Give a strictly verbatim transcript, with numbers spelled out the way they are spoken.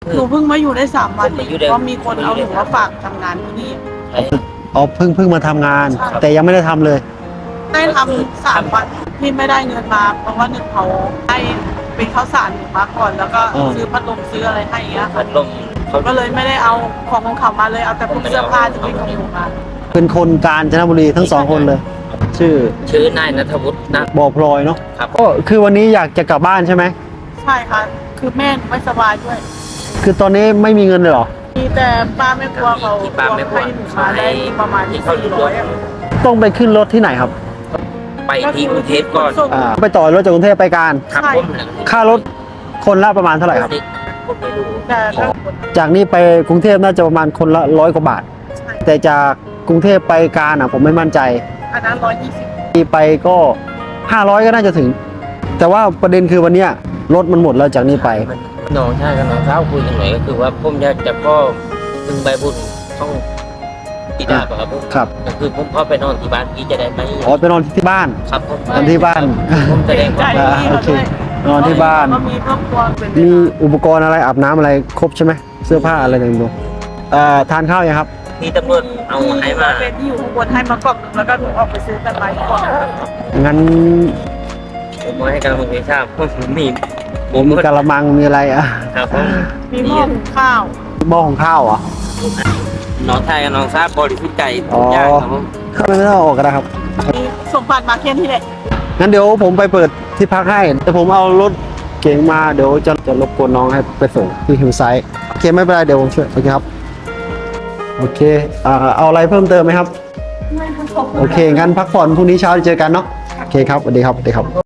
หนูเพิ่งมาอยู่ได้สามวันเพราะมีคนเอาหนูมาฝากทำงานที่นี่อ๋อเพิ่งเพิ่งมาทำงาน แต่ยังไม่ได้ทำเลยได้ทำสามวันที่ไม่ได้เงินมาเพราะว่าหนึ่งเขาให้เป็นข้าวสารหนูมาก่อนแล้วก็อ่าซื้อพัดลมซื้ออะไรให้อย่างเงี้ยพัค่ะดลมเขาก็เลยไม่ได้เอาของของเขามาเลยเอาแต่พวกเสื้อผ้าที่เป็นของหนูมาเป็นคนกาญจนบุรีทั้งสองคนเลย ชื่อชื่อนายณัฐวุฒินะบ่อพลอยเนาะครับก็คือวันนี้อยากจะกลับบ้านใช่ไหมใช่ค่ะคือแม่หนูไม่สบายด้วยคือตอนนี้ไม่มีเงินเลยเหรอมีแต่ป้าไม่กลัวเขาที่ป้าไม่กลัวให้หนูมาได้ประมาณที่เขาสี่อยู่ร้อยอะต้องไปขึ้นรถที่ไหนครับไปที่กรุงเทพก่อนอ่าไปต่อรถจากกรุงเทพไปการครับผมค่ารถคนละประมาณเท่าไหร่ครับผมไม่รู้แต่ถ้าจากนี้ไปกรุงเทพน่าจะประมาณคนละร้อยกว่าบาทใช่แต่จากกรุงเทพไปการอ่ะผมไม่มั่นใจอันนั้นร้อยยี่สิบที่ไปก็ห้าร้อยก็น่าจะถึง แต่ว่าประเด็นคือวันเนี้ยรถมันหมดแล้วจากนี้ไปมันน้องชายกับน้องสาวคุยกันหน่อยก็คือว่าผมอยากจะพ่อพึงใบบุญต้องกีดาบครับผมครับก็คือผมพ่อไปนอนที่บ้านพี่จะได้ไหมอ๋อไปนอนที่บ้านครับผมนอนที่บ้านผมแสดงใจว่าดีโอเขาเคด้วยนอนที่บ้านก็มีครอบครัวเป็นมีอุปกรณ์อะไรอาบน้ำอะไรครบใช่ไหมเสื้อผ้าอะไรต่างๆเอ่อทานข้าวยังครับมีตำรวจเอาให้มาเป็นที่อยู่ข้างบนให้มากล่องหนึ่งแล้วก็หนูออกไปซื้อกันไปก่อนงั้นผมมาให้กำลังใจทราบว่าผมมีผมมีกะละมังมีอะไรอ่ะครับผมมีหม้อหุงข้าวหม้อของข้าวเหรอน้องชายกับน้องทราบบริสุทธิ์ใจอ๋ทุอกอย่างครับผมไม่ไม่ต้องออกก็ได้ครับมีสมบัติมาเคียนที่ไหนงั้นเดี๋ยวผมไปเปิดที่พักให้แต่ผมเอารถเก๋งมาเดี๋ยวจะจะรบกวนน้องให้ไปส่งที่ฮิวไซด์โอเคไม่เป็นไรเดี๋ยวผมช่วยโอเคครับโอเคอ่าเอาอะไรเพิ่มเติมไหมครับไม่ทั้งสองโอเคงั้นพักผ่อนพรุ่งนี้เช้าเจอกันเนาะโอเคครับสวัสดีครับสวัสดีครับ